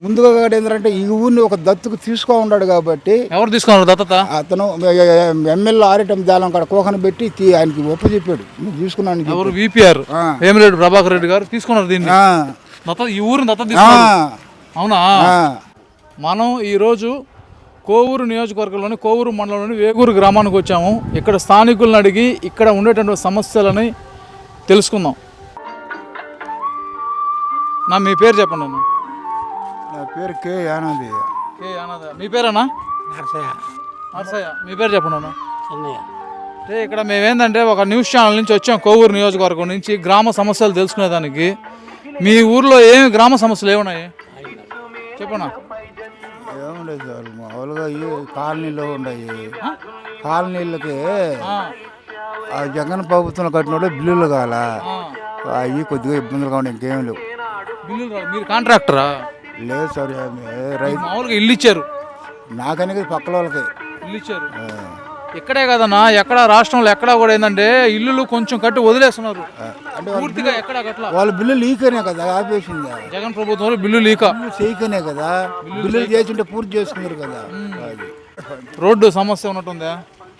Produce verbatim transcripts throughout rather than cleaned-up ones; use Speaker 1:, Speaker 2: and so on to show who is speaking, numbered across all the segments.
Speaker 1: ముందుగా ఏంటంటే ఈ ఊరిని ఒక దత్తుకు తీసుకో ఉన్నాడు కాబట్టి
Speaker 2: ఎవరు తీసుకున్నారు దత్తత?
Speaker 1: అతను ఎమ్మెల్యే ఆరిటం జాలం కాడ కోకను పెట్టి తీ- ఆయనకి ఒప్పు చెప్పాడు నువ్వు తీసుకున్నాను అని
Speaker 2: ఎవరు? విపిఆర్
Speaker 1: ఆ.
Speaker 2: వేమిరెడ్డి ప్రభాకర్ రెడ్డి గారు తీసుకున్నారు దీన్ని.
Speaker 1: ఆ,
Speaker 2: దత్త ఈ ఊరిని దత్త
Speaker 1: ఆ,
Speaker 2: తీసుకున్నారు. అవునా?
Speaker 1: ఆ.
Speaker 2: మనం ఈరోజు కోవూరు నియోజకవర్గంలోని కోవూరు మండలంలోని వేగూరు గ్రామానికి వచ్చాము. ఇక్కడ స్థానికులను అడిగి ఇక్కడ ఉండేటువంటి సమస్యలని తెలుసుకుందాం. నా మీ పేరు చెప్పండి అన్న.
Speaker 1: నా పేరు కే యానాది.
Speaker 2: కే అన్నదా? మీ పేరేనా? నర్సయ్య. మీ పేరు చెప్పండి అన్న. అంటే ఇక్కడ మేమేందంటే ఒక న్యూస్ ఛానల్ నుంచి వచ్చాం, కోవూరు నియోజకవర్గం నుంచి గ్రామ సమస్యలు తెలుసుకునేదానికి. మీ ఊర్లో ఏమి గ్రామ సమస్యలు ఏమున్నాయి చెప్పనా?
Speaker 1: ఏముండదు సార్, మామూలుగా ఈ కాలనీలో ఉన్నాయి. కాలనీలకి ఆ జగన్ ప్రభుత్వం కట్టినోడే బిల్లులు కావాల, అవి కొద్దిగా ఇబ్బందులుగా ఉన్నాయి, ఇంకేం లేవు.
Speaker 2: బిల్లులు రావు. మీరు కాంట్రాక్టరా?
Speaker 1: లేదు సార్, ఏమి రైతు
Speaker 2: మామూలుగా ఇల్లు ఇచ్చారు.
Speaker 1: నాకనే పక్కల వాళ్ళకి
Speaker 2: ఇల్లు ఇచ్చారు.
Speaker 1: ఆ,
Speaker 2: ఇక్కడే కదన్నా, ఎక్కడ రాష్ట్రంలో ఎక్కడా కూడా ఏంటంటే ఇల్లులు కొంచెం కట్టి వదిలేస్తున్నారు.
Speaker 1: అంటే
Speaker 2: పూర్తిగా ఎక్కడ కట్ల.
Speaker 1: వాళ్ళ బిల్లు లీకనే కదా ఆపేసింది.
Speaker 2: జగన్ ప్రభుత్వంలో బిల్లు లీక.
Speaker 1: బిల్లు చేయకనే కదా, బిల్లులు చేసింటే పూర్తి చేసుకున్నారు కదా. అది
Speaker 2: రోడ్డు సమస్య ఉన్నట్టుందా?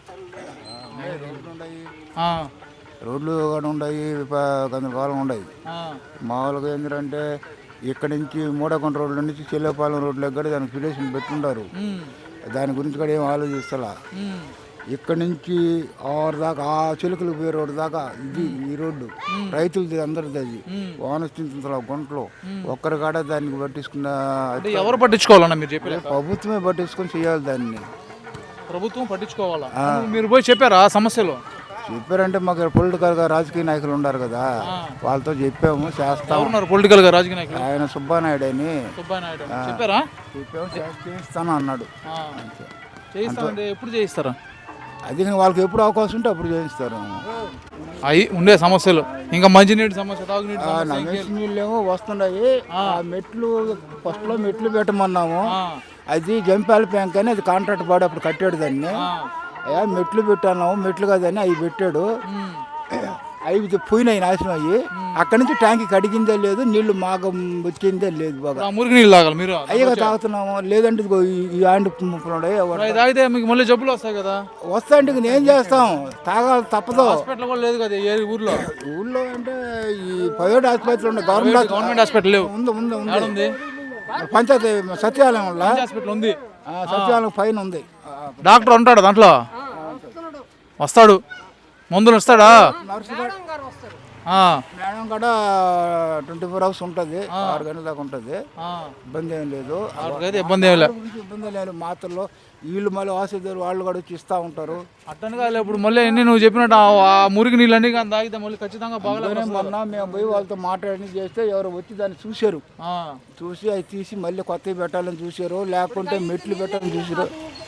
Speaker 2: ఆ,
Speaker 1: రోడ్లు కూడా ఉన్నాయి, కొంతకాలం ఉన్నాయి.
Speaker 2: ఆ,
Speaker 1: మామూలుగా ఏంటంటే ఇక్కడి నుంచి మూడకొండ రోడ్ల నుంచి చెల్లెపాలెం రోడ్లకు కూడా దానికి ఫిడేషన్ పెట్టుంటారు.
Speaker 2: ఉమ్,
Speaker 1: దాని గురించి కూడా ఏం ఆలోచిస్తలా.
Speaker 2: ఉమ్,
Speaker 1: ఇక్కడి నుంచి ఆరు దాకా ఆ చిలుకలు పోయే రోడ్డు దాకా ఇది ఈ రోడ్డు రైతులది, అందరిది. అది వానస్థితుల గుంటలో ఒక్కరి కాడ దానికి పట్టించుకున్న
Speaker 2: అంటే ఎవరు పట్టించుకోవాలన్నా మీరు చెప్పారు?
Speaker 1: ప్రభుత్వమే పట్టించుకొని చేయాలి దాన్ని.
Speaker 2: ప్రభుత్వం పట్టించుకోవాలా? మీరు పోయి చెప్పారా సమస్యలు?
Speaker 1: చెప్పారంటే మాకు పొలిటికల్ గా రాజకీయ నాయకులు ఉన్నారు కదా, వాళ్ళతో చెప్పాము, చేస్తాము.
Speaker 2: ఎవరున్నారు పొలిటికల్ గా రాజకీయ నాయకులు?
Speaker 1: ఆయన సుబ్బానాయుడు అని
Speaker 2: సుబ్బాయి నాయుడు చెప్పారా?
Speaker 1: చెప్పాము, చేస్తాను అన్నాడు.
Speaker 2: ఆ, చేయిస్తామంటే ఎప్పుడు చేయిస్తారా?
Speaker 1: అది వాళ్ళకి ఎప్పుడు అవకాశం ఉంటే అప్పుడు చేయిస్తారు.
Speaker 2: అవి ఉండే సమస్యలు ఇంకా మంచినీటి సమస్య, తాగునీటి సమస్య,
Speaker 1: నమేసి నీళ్ళు ఏమో వస్తున్నాయి. ఆ మెట్లు ఫస్ట్ లో మెట్లు పెట్టమన్నాము,
Speaker 2: ఆ,
Speaker 1: అది జంపాల బ్యాంక్ అని అది కాంట్రాక్ట్ పాడు అప్పుడు కట్టాడు దాన్ని.
Speaker 2: ఆ,
Speaker 1: అయ్యా మెట్లు పెట్టాను, మెట్లు కాదని అవి పెట్టాడు.
Speaker 2: ఉమ్,
Speaker 1: అవి పోయినాయి, నాశనం అయ్యి. అక్కడి నుంచి ట్యాంక్ కడిగిందే లేదు, నీళ్లు మాగం వచ్చిందే లేదు. బాగా
Speaker 2: ఆ మురికి నీళ్ళు తాగాలి మీరు?
Speaker 1: అయ్యగా తాగుతున్నాము, లేదంటే ఇదిగో ఈ- ఈ ఆండి ముప్పులున్నాయి.
Speaker 2: అవి తాగితే మీకు మళ్ళీ జబ్బులు వస్తాయి కదా.
Speaker 1: వస్తాంటే ఇంక ఏం చేస్తాం, తాగాలి తప్పదు.
Speaker 2: హాస్పిటల్ కూడా లేదు కదా ఏ ఊర్లో?
Speaker 1: ఊళ్ళో అంటే ఈ ప్రైవేట్ ఆసుపత్రి ఉండే, గవర్నమెంట్
Speaker 2: గవర్నమెంట్ హాస్పిటల్ లేవు.
Speaker 1: ఉంది ఉంది ఉంది
Speaker 2: ఉంది
Speaker 1: పంచాయతీ సచివాలయం వల్ల
Speaker 2: హాస్పిటల్ ఉంది.
Speaker 1: సచివాలయం పైన ఉంది.
Speaker 2: డాక్టర్ ఉంటాడు దాంట్లో? వస్తాడు, మందులు ఇస్తాడా?
Speaker 1: నర్సు కూడా-
Speaker 2: ఆ,
Speaker 1: మేడం కూడా ట్వంటీ ఫోర్ అవర్స్ ఉంటుంది, ఆరు గంటల దాకా ఉంటుంది.
Speaker 2: ఆ,
Speaker 1: ఇబ్బంది ఏం లేదు,
Speaker 2: వాళ్ళకైతే ఇబ్బంది ఏమి లేదు.
Speaker 1: ఇబ్బంది లేదు. మాత్రలో వీళ్ళు మళ్ళీ ఆసుపత్రి వాళ్ళు కూడా వచ్చి ఇస్తూ ఉంటారు.
Speaker 2: అట్టని కాదు, ఇప్పుడు మళ్ళీ ఎన్ని నువ్వు చెప్పినట్టు ఆ- ఆ మురికి నీళ్ళన్నీ కానీ తాగితే మళ్ళీ ఖచ్చితంగా బాగలేదు.
Speaker 1: మొన్న మేము పోయి వాళ్ళతో మాట్లాడి చేస్తే ఎవరు వచ్చి దాన్ని చూశారు, చూసి అవి తీసి మళ్ళీ కొత్తవి పెట్టాలని చూశారు, లేకుంటే మెట్లు పెట్టాలని చూసారు.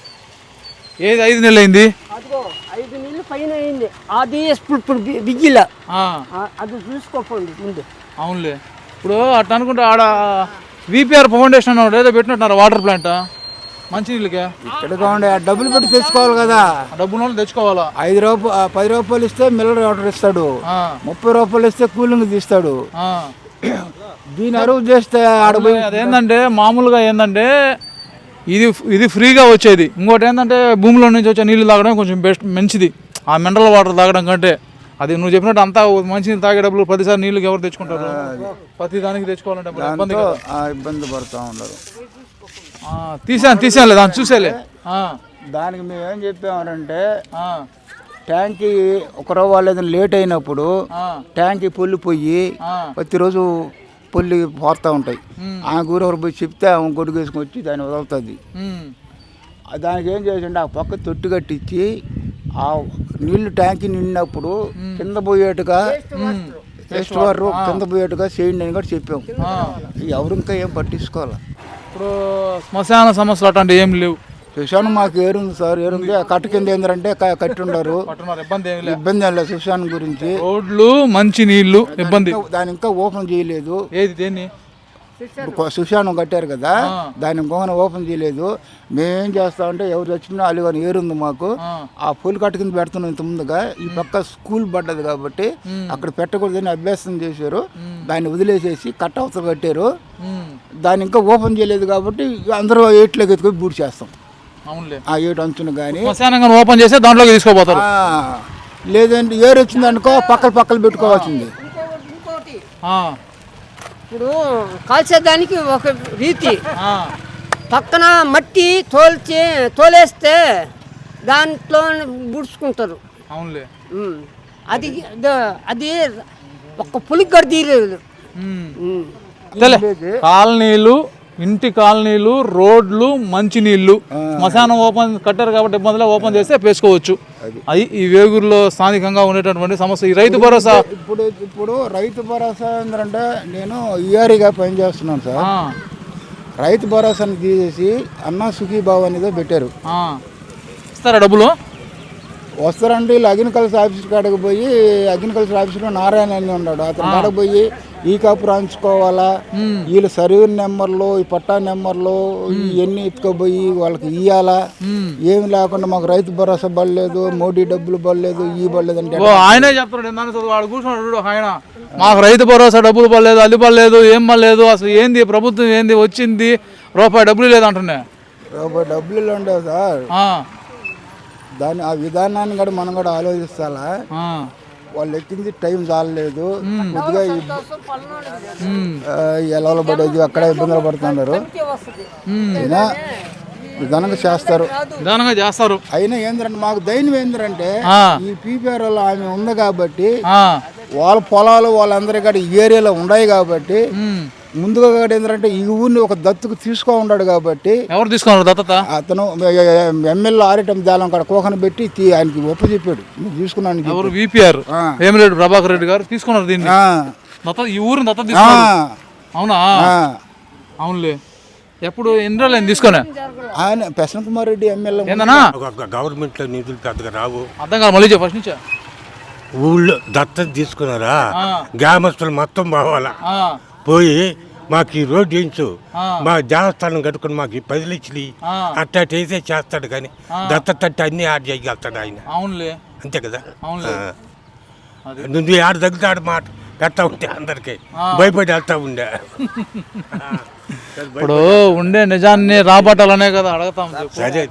Speaker 2: ఏది ఐదు నెలలు అయింది?
Speaker 3: అదిగో ఐదు నీళ్ళు పైన అయింది, అది ఇప్పుడు ఇప్పుడు బిగ్గిల అది చూసుకోకండి ముందు.
Speaker 2: అవునులే, ఇప్పుడు అట్లా అనుకుంటే ఆడ విపిఆర్ ఫౌండేషన్ అన్నాడు ఏదో పెట్టినట్టున్నారు వాటర్ ప్లాంట్ మంచినీళ్ళకే.
Speaker 1: ఇక్కడ కావండి, ఆ డబ్బులు పెట్టి తెచ్చుకోవాలి కదా.
Speaker 2: డబ్బులు వాళ్ళు తెచ్చుకోవాలా?
Speaker 1: ఐదు రూపాయలు పది రూపాయలు ఇస్తే మిల్లర్ వాటర్ ఇస్తాడు,
Speaker 2: ఆ,
Speaker 1: ముప్పై రూపాయలు ఇస్తే కూలింగ్ తీస్తాడు.
Speaker 2: ఆ.
Speaker 1: దీని అరువు చేస్తే ఆడ పోయి
Speaker 2: అదేంటంటే మామూలుగా ఏంటంటే ఇది ఇది ఫ్రీగా వచ్చేది. ఇంకోటి ఏంటంటే భూమిలో నుంచి వచ్చే నీళ్ళు తాగడం కొంచెం బెస్ట్, మంచిది. ఆ మినరల్ వాటర్ తాగడం కంటే అది నువ్వు చెప్పినట్టు అంతా మంచి నీళ్ళు తాగే డబ్బులు ప్రతిసారి నీళ్ళకి ఎవరు తెచ్చుకుంటారు? ప్రతి దానికి తెచ్చుకోవాలంటే మరి ఇబ్బంది కదా.
Speaker 1: ఆ ఇబ్బంది పడుతూ ఉండరు.
Speaker 2: ఆ, తీసాను తీసానులే, దాన్ని చూసేలే. ఆ,
Speaker 1: దానికి మేము ఏం చెప్పామంటే
Speaker 2: ఆ,
Speaker 1: ట్యాంకీ ఒక రోజు ఏదైనా లేట్ అయినప్పుడు
Speaker 2: ఆ,
Speaker 1: ట్యాంకీ పొల్లి పోయి
Speaker 2: ఆ,
Speaker 1: ప్రతిరోజు పొల్లి పోతూ ఉంటాయి.
Speaker 2: ఉమ్,
Speaker 1: ఆ గురొకరు పోయి చెప్తే ఆమె గొడుగు వేసుకొని వచ్చి దాన్ని వదులుతుంది.
Speaker 2: ఉమ్,
Speaker 1: దానికి ఏం చేసిండే, ఆ పక్క తొట్టు కట్టించి ఆ నీళ్లు ట్యాంకీ నిండినప్పుడు కింద పోయేట్టుగా
Speaker 2: ఉమ్.
Speaker 1: వేస్ట్ వాటర్ కింద పోయేట్టుగా చేయండి అని కూడా చెప్పాం.
Speaker 2: ఆ.
Speaker 1: ఎవరు ఇంకా ఏం పట్టించుకోవాలి.
Speaker 2: ఇప్పుడు శ్మశాన సమస్యలు అట్లాంటివి ఏం లేవు.
Speaker 1: సుశాన్ మాకు ఏరుంది సార్, ఏరుంది. ఆ కట్ట కింద ఏంటంటే కట్టి ఉండరు,
Speaker 2: పట్టున్నారు, ఇబ్బంది ఏమి లేదు.
Speaker 1: ఇబ్బంది ఏం లేదు సుశాన్ గురించి.
Speaker 2: రోడ్లు మంచి నీళ్లు ఇబ్బంది.
Speaker 1: దాని ఇంకా ఓపెన్ చేయలేదు.
Speaker 2: ఏది దేన్ని?
Speaker 1: సుశానం కట్టారు కదా, దాని ఇంకొక ఓపెన్ చేయలేదు. మేమేం చేస్తామంటే ఎవరు వచ్చినా అలిగాని ఏరుంది మాకు, ఆ పూలు కట్ట కింద పెడుతున్నాం ఇంత ముందుగా. ఈ పక్క స్కూల్ పడ్డది కాబట్టి అక్కడ పెట్టకూడదని అభ్యాసం చేశారు, దాన్ని వదిలేసేసి కట్ట అవతల కట్టారు. దాన్ని ఇంకా ఓపెన్ చేయలేదు కాబట్టి అందరూ ఏట్లోకి ఎత్తుకొని బూడి చేస్తాం. ఆ ఏటు అంచును కానీ
Speaker 2: ఓపెన్ చేస్తే దాంట్లోకి తీసుకోపోతారు.
Speaker 1: లేదంటే ఏరు వచ్చింది అనుకో పక్కల పక్కలు పెట్టుకోవాల్సింది.
Speaker 3: ఇప్పుడు కాల్చేదానికి ఒక రీతి, పక్కన మట్టి తోల్చి తోలేస్తే దాంట్లో బుడుచుకుంటారు.
Speaker 2: అవునులే,
Speaker 3: అది అది ఒక్క పులికి కూడా తీయలేదు.
Speaker 2: కాలనీలు, ఇంటి కాలనీలు, రోడ్లు, మంచినీళ్ళు, శ్మశానం ఓపెన్ కట్టారు కాబట్టి ఇబ్బందులు, ఓపెన్ చేస్తే పేసుకోవచ్చు. అది ఈ వేగూరులో స్థానికంగా ఉండేటటువంటి సమస్య. ఈ రైతు భరోసా
Speaker 1: ఇప్పుడు ఇప్పుడు రైతు భరోసా ఏంటంటే నేను ఈఆర్ఈగా పనిచేస్తున్నాను సార్. రైతు భరోసాని తీసేసి అన్నా సుఖీబాబు అనేది పెట్టారు.
Speaker 2: ఇస్తారా డబ్బులు?
Speaker 1: వస్తారంటే వీళ్ళు అగ్రికల్చర్ ఆఫీస్ కాడకు పోయి, అగ్రికల్చర్ ఆఫీస్లో నారాయణ అని ఉన్నాడు, అతని కాడకు పోయి ఈ కాపు రాయించుకోవాలా, వీళ్ళు సర్వే నెంబర్లు, ఈ పట్టా నెంబర్లు ఇవన్నీ ఎత్తుకోపోయి వాళ్ళకి ఇయ్యాలా. ఏమి లేకుండా మాకు రైతు భరోసా పడలేదు, మోడీ డబ్బులు పడలేదు, ఈ పడలేదు అంటే
Speaker 2: ఆయనే చెప్తున్నాడు. వాడు కూర్చున్నాడు ఆయన, మాకు రైతు భరోసా డబ్బులు పడలేదు, అది పడలేదు, ఏం పడలేదు, అసలు ఏంది ప్రభుత్వం ఏంది వచ్చింది, రూపాయి డబ్బులు లేదు అంటున్నా.
Speaker 1: రూపాయి డబ్బులు ఉండవు సార్. దాని ఆ విధానాన్ని కూడా మనం కూడా ఆలోచిస్తాలా. వాళ్ళు ఎక్కింది టైం చాలలేదు, కొద్దిగా ఎలవలు పడేది అక్కడ ఇబ్బందులు పడుతున్నారు. విధానంగా చేస్తారు,
Speaker 2: విధానంగా చేస్తారు.
Speaker 1: అయినా ఏంటంటే మాకు దైన్యం ఏంటంటే ఈ పీపీఆర్ వల్ల ఆమె ఉంది కాబట్టి, వాళ్ళ పొలాలు వాళ్ళందరి కూడా ఈ ఏరియాలో ఉన్నాయి కాబట్టి ముందుగా ఏంటంటే ఈ ఊరిని ఒక దత్తుకు తీసుకో ఉన్నాడు కాబట్టి.
Speaker 2: ఎవరు తీసుకున్నారు దత్తత?
Speaker 1: అతను ఎమ్మెల్యే ఆరిటం జాలం కాడ కోకను పెట్టి ఆయనకి ఒప్ప చెప్పాడు, తీసుకున్నాను.
Speaker 2: ఎవరు? విపిఆర్ వేమిరెడ్డి ప్రభాకర్ రెడ్డి గారు తీసుకున్నారు దీన్ని, ఈ ఊరిని దత్తత తీసుకున్నారు. అవునా? అవునులే. ఎప్పుడు ఎన్ని రోజులు ఆయన తీసుకున్నా?
Speaker 1: ఆయన ప్రసన్న కుమార్ రెడ్డి ఎమ్మెల్యే.
Speaker 2: ఏందన్నా
Speaker 4: గవర్నమెంట్ లో నిధులు పెద్దగా రావు.
Speaker 2: అర్థం కాదు, మళ్ళీ ఫస్ట్ నుంచా.
Speaker 4: ఊళ్ళో దత్తత తీసుకున్నారా, గ్రామస్తులు మొత్తం పోవాలా, పోయి మాకు ఈ రోడ్డు వేయించు, మా దేవస్థానం కట్టుకుని మాకు ఈ పది లక్షలు అట్టా వేసే చేస్తాడు. కానీ దత్తత అంటే అన్ని ఆడ చేయగలుగుతాడు ఆయన.
Speaker 2: అవునులే,
Speaker 4: అంతే కదా. నువ్వు ఆడ తగ్గుతాడు మాట పెడతా ఉంటే అందరికి భయపడి వెళ్తా ఉండే.
Speaker 2: ఇప్పుడు ఉండే నిజాన్ని రాబట్టాలనే కదా అడగతాం.
Speaker 4: సరే,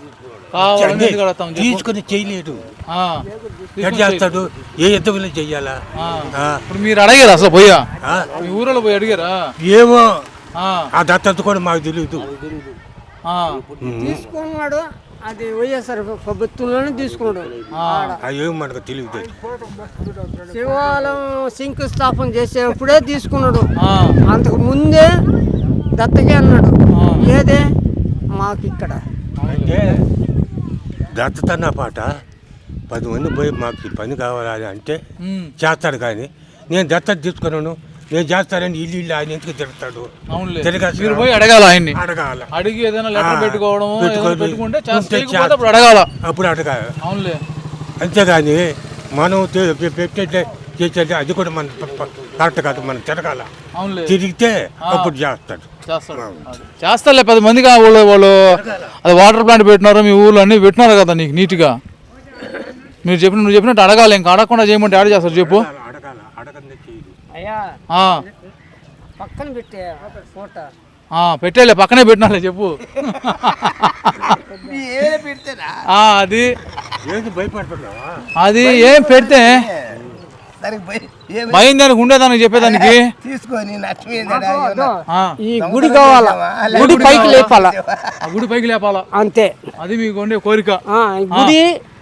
Speaker 4: తీసుకుని చేయలేడు, ఎట్ చేస్తాడు, ఏ యుద్ధంలో చెయ్యాలా?
Speaker 2: ఇప్పుడు మీరు అడిగారా అసలు పోయా? మీ ఊరిలో పోయి అడిగారా?
Speaker 4: ఏమో ఆ దత్తత కూడా మాకు తెలియదు.
Speaker 3: తీసుకున్నాడు, అది వైఎస్ఆర్ ప్రభుత్వంలోనే తీసుకున్నాడు.
Speaker 4: ఏమో మనకు తెలియదు.
Speaker 3: శివాలయం శంకుస్థాపన చేసేప్పుడే తీసుకున్నాడు, అంతకు ముందే దత్తకే అన్నాడు. ఏదే మాకు ఇక్కడ
Speaker 4: అంటే దత్తత అన్న పాట పది మంది పోయి మాకు పని కావాలి అంటే చేస్తాడు. కానీ నేను దత్తత తీసుకున్నాను, నేను చేస్తానని ఇల్లు ఇల్లు ఆయన ఎందుకు తిరుగుతాడు?
Speaker 2: మీరు పోయి అడగాల, ఆయన్ని
Speaker 4: అడగాల,
Speaker 2: అడిగి ఏదైనా లెటర్ పెట్టుకోవడం అప్పుడు అడగాల,
Speaker 4: అప్పుడు అడగాలి.
Speaker 2: అవునులే.
Speaker 4: అంతేగాని మనం పెట్టే చేసేది అది కూడా మన కరెక్ట్ కాదు. మనం తిరగాల, తిరిగితే అప్పుడు చేస్తాడు.
Speaker 2: చేస్తారులే పది మందిగా. వాళ్ళు వాళ్ళు అది వాటర్ ప్లాంట్ పెట్టినారు, మీ ఊళ్ళో అన్నీ పెట్టినారు కదా నీకు నీట్గా. మీరు చెప్పిన నువ్వు చెప్పినట్టు అడగాలి, ఇంకా అడగకుండా చేయమంటే యాడ్ చేస్తారు చెప్పు.
Speaker 3: పక్కన పెట్టే ఫోటో
Speaker 2: పెట్టేలే, పక్కనే పెట్టినాలే చెప్పు. అది అది ఏం పెడితే భయం దానికి ఉండేదానికి చెప్పేదానికి.
Speaker 3: ఈ గుడి కావాలా, గుడి పైకి లేపాలా,
Speaker 2: ఆ గుడి పైకి లేపాలా,
Speaker 3: అంతే.
Speaker 2: అది మీకు ఉండే కోరిక.
Speaker 3: గుడి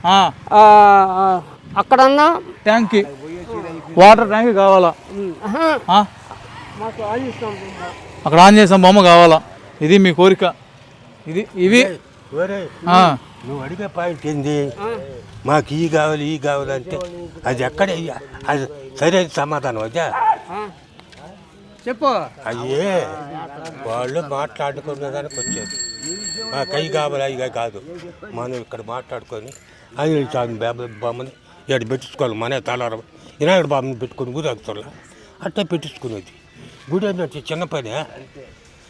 Speaker 3: అక్కడన్నా
Speaker 2: ట్యాంక్, వాటర్ ట్యాంక్ కావాలా, అక్కడ ఆంజనేయ స్వామి బొమ్మ కావాలా, ఇది మీ కోరిక. ఇది ఇవి
Speaker 4: నువ్వు అడిగే పాయింట్ ఏంది, మాకు ఈ కావాలి ఈ కావాలంటే అది ఎక్కడ అది సరైన సమాధానం అదే
Speaker 3: చెప్పు.
Speaker 4: అయ్యే వాళ్ళు మాట్లాడుకునే దానికి వచ్చేది. మాకు అవి కావాలి అవి కాదు, మనం ఇక్కడ మాట్లాడుకొని ఆంజనేయ స్వామి బొమ్మని ఇక్కడ పెట్టించుకోవాలి. మనే తలారం వినాయకుడు బాబుని పెట్టుకొని ఊరేగుతారు, అట్లా పెట్టించుకునేది. గుడి అంటే చిన్న పని.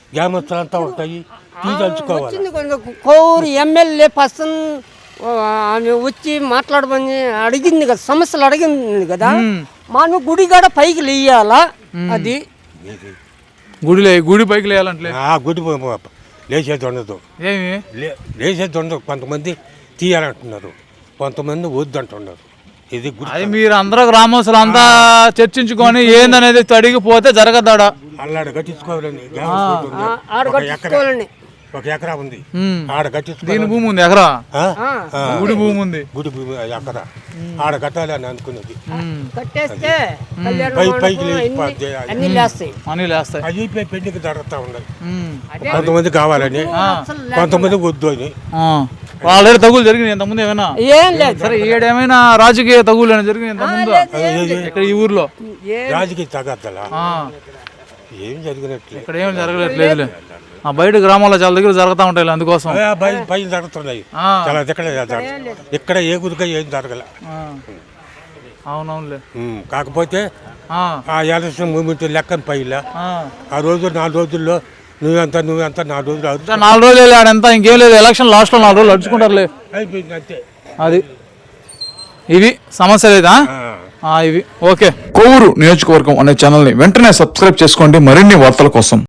Speaker 4: గ్రామస్తులంతా ఉంటాయి తీదలుచుకోవాలి.
Speaker 3: వచ్చింది కొంచెం కోరు ఎమ్మెల్యే పర్సన్ ఆమె వచ్చి మాట్లాడమని అడిగింది కదా, సమస్యలు అడిగింది కదా. మనం గుడి కాడ పైకి లేయాలా, అది
Speaker 2: గుడిలే గుడి పైకి లేయాలంటే
Speaker 4: ఆ గుడి లేచేది ఉండదు,
Speaker 2: ఏమి
Speaker 4: లే- లేచేది ఉండదు. కొంతమంది తీయాలంటున్నారు, కొంతమంది వద్దు అంటున్నారు. ఇది గుడి
Speaker 2: అది మీరు అందరూ గ్రామస్తులు అంతా చర్చించుకొని ఏందనేది అడిగిపోతే జరగదాడా.
Speaker 4: అల్లాడ కట్టించుకోవాలని గ్రామస్తులు ఉంది.
Speaker 3: ఆడ
Speaker 4: ఒక ఎకరా
Speaker 3: కట్టించుకోవాలండి.
Speaker 4: ఒక ఎకరా ఉంది,
Speaker 2: ఉమ్.
Speaker 4: ఆడ
Speaker 2: దీని
Speaker 4: కట్టించుకోవాలి.
Speaker 2: భూమి ఉంది ఎకరా,
Speaker 4: ఆ? ఆ.
Speaker 2: గుడి భూమి ఉంది.
Speaker 4: గుడి భూమి ఎకరా ఆడ కట్టాలి అని అనుకున్నది.
Speaker 2: ఉమ్.
Speaker 3: కట్టేస్తే కళ్యాణ
Speaker 4: పై పైకి
Speaker 3: మండపం
Speaker 4: లేచిపోద్ది.
Speaker 3: అన్ని- అన్ని లేస్తాయి.
Speaker 2: అని లేస్తాయి.
Speaker 4: అది పెళ్లికి జరుగుతూ ఉన్నాయి.
Speaker 2: ఉమ్.
Speaker 4: కొంతమంది కావాలని, కొంతమంది వద్దు అని.
Speaker 2: ఆ. ఆల్రెడీ తగులు జరిగినాయి ఇంతకుముందు ఏమైనా?
Speaker 3: ఏం లేదు.
Speaker 2: సరే ఏడేమైనా రాజకీయ తగులు అని జరిగినాయి ఇంతకుముందు ఇక్కడ ఈ ఊర్లో?
Speaker 4: రాజకీయ తగద్దలా
Speaker 2: ఆ.
Speaker 4: ఏం జరిగినట్లే.
Speaker 2: ఇక్కడ ఏం జరగలేట్లేదులే. ఆ బయట గ్రామాల్లో చాలా దగ్గర జరుగుతూ ఉంటాయి అందుకోసం.
Speaker 4: ఆ, పై పైన జరుగుతున్నాయి
Speaker 2: ఆ.
Speaker 4: చాలా ఇక్కడ జరగ- ఇక్కడ ఏ గురిగా ఏం జరగల.
Speaker 2: ఆ. అవునవునులే.
Speaker 4: ఉమ్, కాకపోతే
Speaker 2: ఆ.
Speaker 4: ఆ ఎలక్షన్ మూమెంట్ లెక్కన పైలా
Speaker 2: ఆ.
Speaker 4: ఆ రోజు నాలుగు రోజుల్లో నువ్వెంత నువ్వెంత నాలుగు రోజులు
Speaker 2: ఇంకా
Speaker 4: అవుతుంది
Speaker 2: నాలుగు రోజులు వెళ్ళి ఆడంతా ఇంకేం లేదు, ఎలక్షన్ లాస్ట్లో నాలుగు రోజులు అడుచుకుంటారులే.
Speaker 4: అయిపోయింది అంతే.
Speaker 2: అది ఇవి సమస్య లేదా?
Speaker 4: ఆ.
Speaker 2: ఆ, ఇవి ఓకే. కొవ్వూరు నియోజకవర్గం అనే ఛానల్ని వెంటనే సబ్స్క్రైబ్ చేసుకోండి మరిన్ని వార్తల కోసం.